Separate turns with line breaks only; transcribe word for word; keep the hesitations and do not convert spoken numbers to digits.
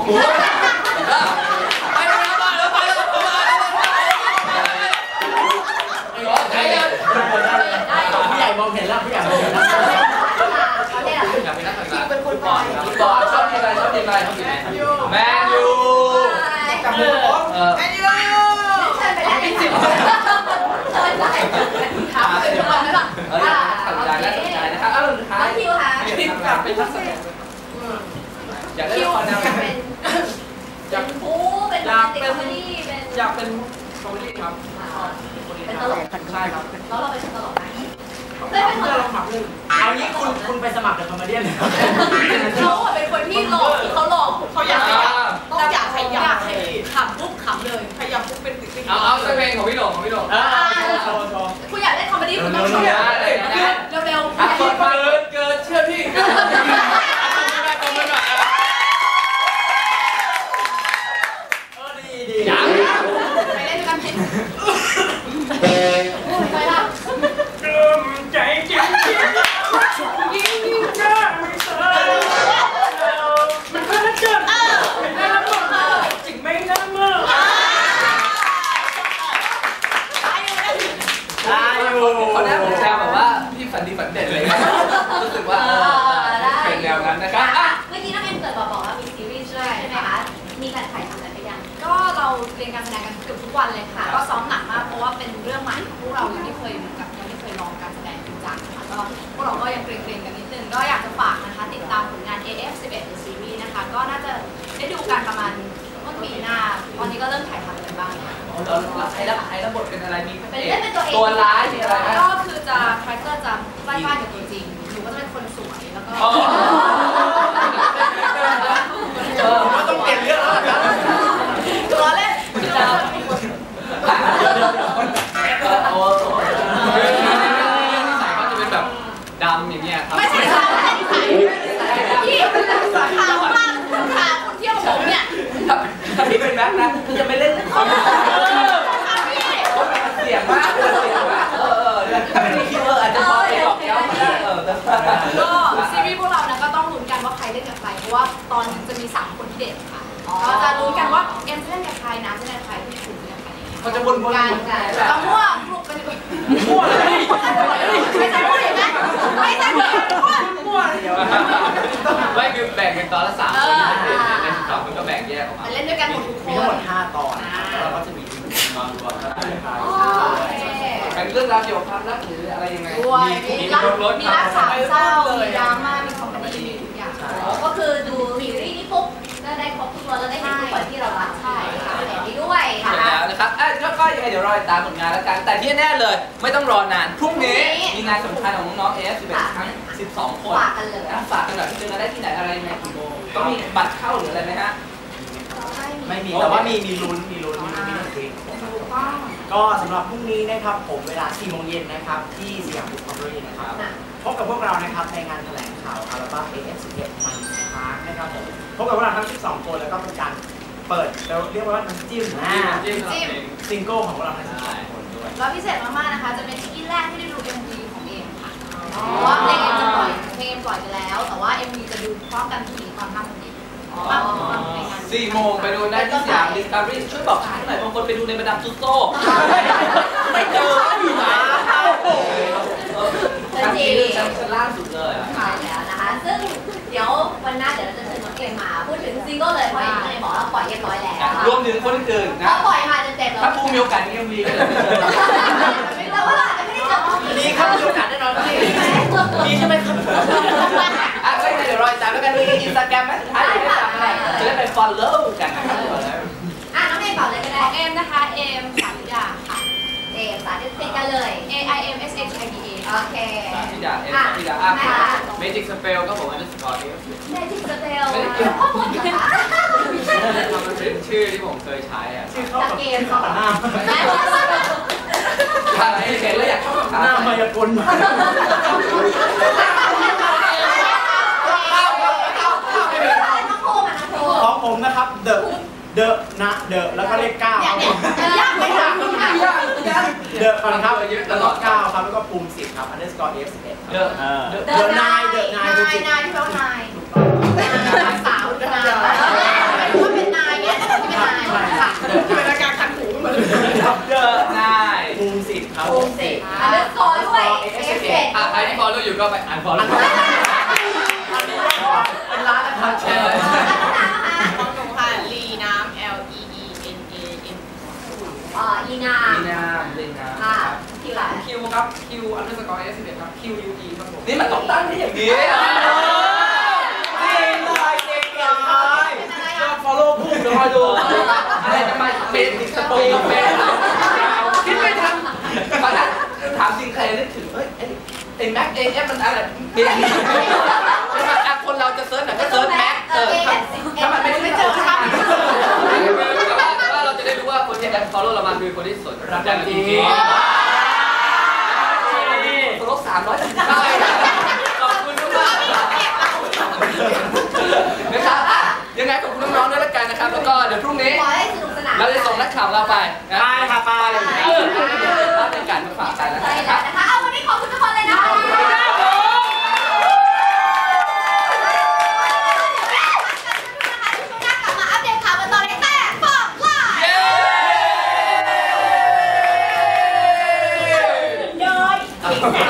ไปแล้วไปแล้วไปแล้วไปแล้วผู้ใหญ่มองเห็นแล้วผู้ใหญ่มองเห็นแล้วอยากเป็นนักแข่งขันเป็นคนบอลบอลชอบทีมอะไรชอบทีมอะไรชอบทีมไหนแมนยูกับมือแมนยูเชิญไปแล้วเชิญไปถามเป็นบอลได้หรออ่าสนใจและสนใจนะครับอ้าวสุดท้ายคิวค่ะอยากเป็นนักแสดงอยากได้ละครแนวไหนอยากเป็นผู้เป็นอยากเป็นอยากเป็นคอมเมดี้ครับเป็นตลกใช่ครับแล้วเราเป็นตลกไหมได้เป็นตลกหมักหนึ่งเอางี้คุณคุณไปสมัครเป็นคอมเมดี้เลยเขาเป็นคนที่หลอกเขาหลอกเขาอยากต้องอยากขยับขำปุ๊บขำเลยขยับปุ๊บเป็นติ๊กติ๊กเอาเอาเพลงของพี่หลงของพี่หลงคุณอยากเล่นคอมเมดี้คุณต้องเร็วเร็วเร็วเกินเกินเชื่อพี่ไปเล่นกันสิไปละกลืมใจจริงจริงยิ่งยิ่งจะไม่เชื่อมันก็จะเกิดไม่ได้ละมั้งจริงไม่ได้มั้งได้อยู่เขาได้ผมแชร์แบบว่าพี่ฝันดีฝันเด่นเลยรู้สึกว่าเป็นแนวนั้นนะครับเมื่อกี้น้องเอ็มเกิดบอกว่ามีซีรีส์ด้วยใช่ไหมคะมีการถ่ายทำกันไปยังก็เราเรียนการแสดงกันเกือบทุกวันเลยค่ะก็ซ้อมหนักมากเพราะว่าเป็นเรื่องใหม่ของพวกเรายังไม่เคยเหมือนกับยังไม่เคยลองการแสดงจริงจังค่ะก็พวกเราก็ยังเกรงๆกันนิดนึงก็อยากจะฝากนะคะติดตามผลงาน เอ เอฟ สิบเอ็ด The Series นะคะก็น่าจะได้ดูกันประมาณต้นปีหน้าตอนนี้ก็เริ่มถ่ายทำกันบ้างแล้วใช้แล้วใช้ระบบเป็นอะไรมีเป็นเล่นเป็นตัวเองตัวร้ายมีอะไรก็คือจะคาแรคเตอร์จะใกล้บ้านกับตัวจริงหนูก็จะเป็นคนสวยแล้วก็ก็ต้องเปลี่ยนเรื่องแล้วนะตัวเล่นจะโอ้โหนิสัยก็จะเป็นแบบดำอย่างเงี้ยครับไม่ใช่ค่ะไม่ใช่นิสัยพี่ขาวมากขาวคนเที่ยวผมเนี่ยถ้าพี่เป็นแบ็คนะจะไม่เล่นเขาเสียงมากเสียงมากเออเออถ้าเป็นคิวเอออาจจะพอไปหลอกแก้วมาได้เออก็ซีรีส์พวกเรานะก็ต้องลุ้นกันว่าใครเล่นกับใครเพราะว่าตอนจะมีสามคนที่เด่นค่ะเราจะรู้กันว่าเอ็มจะเล่นกับใครนะจะเล่นกับใครที่ถูกจะเล่นกับใครเขาจะบนบนกันเรามั่วกลุ่มกันดีกว่ามั่วเลยไม่ใช่มั่วอย่างนั้นไม่ใช่มั่วมั่วไม่คือแบ่งเป็นตอนละสามคนในสิบสองคนก็แบ่งแยกออกมาเล่นด้วยกันหมดทุกคนมีทั้งหมดห้าตอนแล้วเราก็จะมีตอนรวมกันเป็นเรื่องราวเกี่ยวกับความรักหรืออะไรยังไงมีรักมีรักสามเศร้ามีดราม่ามีคอมเมดี้มีทุกอย่างก็คือดูซีรีส์นี้ปุ๊บก็ได้ครบทุกตัวแล้วได้เห็นทุกคนที่เรารักใช่ค่ะเห็นนี้ด้วยค่ะแล้วนะครับอ่ะก็ยังไงเดี๋ยวรอติดตามผลงานแล้วกันแต่ที่แน่เลยไม่ต้องรอนานพรุ่งนี้มีงานสำคัญของน้องๆ เอ เอฟ สิบเอ็ดทั้งสิบสองคนฝากกันเลยฝากกันหน่อยเจอกันได้ที่ไหนอะไรยังไงกี่โมงต้องมีบัตรเข้าหรืออะไรไหมฮะไม่มีแต่ว่ามีมีลุ้นมีลุ้นมีลุ้นมีลุ้นก็สำหรับพรุ่งนี้นะครับผมเวลาสี่โมงเย็นนะครับที่สยามบุ๊คคอมเมดี้นะครับพบกับพวกเรานะครับในงานแถลงข่าวอัลบั้ม เอ เอฟ สิบเอ็ด มันพาร์คนะครับผมพบกับพวกเราทั้งสิบสองคนแล้วก็เป็นการเปิดเราเรียกว่าน้ำจิ้มนะจิ้มซิงเกิลของพวกเราทั้งสิบสองคนด้วยแล้วพิเศษมากๆนะคะจะเป็นที่แรกที่ได้ดู เอ็ม วี ของเอ็มค่ะเพราะว่าเพลงเอ็มจะปล่อยเพลงปล่อยไปแล้วแต่ว่า เอ็ม วี จะดูพร้อมกันที่ความน่าสนใจสี่โมงไปดูได้ที่สยามดิสคัฟเวอรี่ช่วยบอกฉันหน่อยบางคนไปดูในมาดามตุสโต้ไม่เจออยู่นะชั้นที่ชั้นล่าสุดเลยใช่แล้วนะคะซึ่งเดี๋ยววันหน้าเดี๋ยวเราจะเชิญน้องเกมมาพูดถึงซิงเกิลเลยเพราะอย่างที่บอกว่าปล่อยเรียบร้อยแล้วรวมถึงคนอื่นนะปล่อยมาจนเต็มแล้วถ้าปูมีโอกาสนี่ยังมีก็เลยแต่ว่าอาจจะไม่ได้เจอมีครับมีโอกาสแน่นอนมีใช่ไหมครับอ่ะก็เดี๋ยวรอติดตามแล้วกันมีอินสตาแกรมไหมสุดท้ายจะได้ตามอะไรจะได้ไป follow กันนะครับอ่ะน้องเอ็มบอกเลยก็ได้เอ็มนะคะเอ็มสาธิดาค่ะเอ็มสาธิดกันเลย A I M S H I D A โอเคสาธิดาเอ็มสาธิดาอ่ะ Magic Spell ก็ผมว่าจะสกอร์ที่ Magic Spell มันเป็นชื่อที่ผมเคยใช้อ่ะชื่อเข้ากับเกมเข้ากับหน้าถ้าไม่เห็นแล้วอยากเข้ากับหน้ามายากลของผมนะครับเดอะเดอะนะเดอะแล้วก็เลขเก้าครับผมยากไม่ยากยากเดอะก่อนครับแล้วก็เก้าครับแล้วก็ปุ่มสิบครับอันเดอร์สกอร์เอฟสิบเอ็ดเดอะเดอะนายเดอะนายนายนายที่ร้องนายสาวเดอะนาย
ก็ไปอ่านฟอลโล่เป็นร้านอาหารแชร์
ของหนูค่ะลีน้ำ L E E N A M อ่าลีนา
ลีนาลีนา
ค่ะคิวอะไร
คิวครับคิวอันเดอร์สกอร์เอสสิบเอ็ดครับคิวยูอีครับผม
นี่มันต้องตั้งที่อย่างนี้จริงเลยจริงเลย
ก็ฟอลโล่พุ่งเดี๋ยวคอยดูอะไรจะมาเป็นสปงกาแฟคิดไม่ทัน
ตอนนั้นถามจริงใครนึกถึงเฮ้ยไอ้แม็กเอเอฟมันอะไรเป็นคนเราจะเซิร์ชหน่อยก็เซิร์ชแม็กเออถ้ามันไม่ได้เจอครับแต่ว่าเราจะได้รู้ว่าคนที่แอดฟอลโล่เรามาคือคนที่สนรับใจจริงฟอลโล่สามร้อยสิบเก้าขอบคุณมากนะครับยังไงขอบคุณน้องๆด้วยละกันนะครับแล้วก็เดี๋ยวพรุ่งนี้เราจะส่งนักข่าวเราไป
ไปค่ะไป
รับในการมาฝากกัน
นะครับเอาวันนี้ขอบคุณทุกคนเลยนะคะ
โ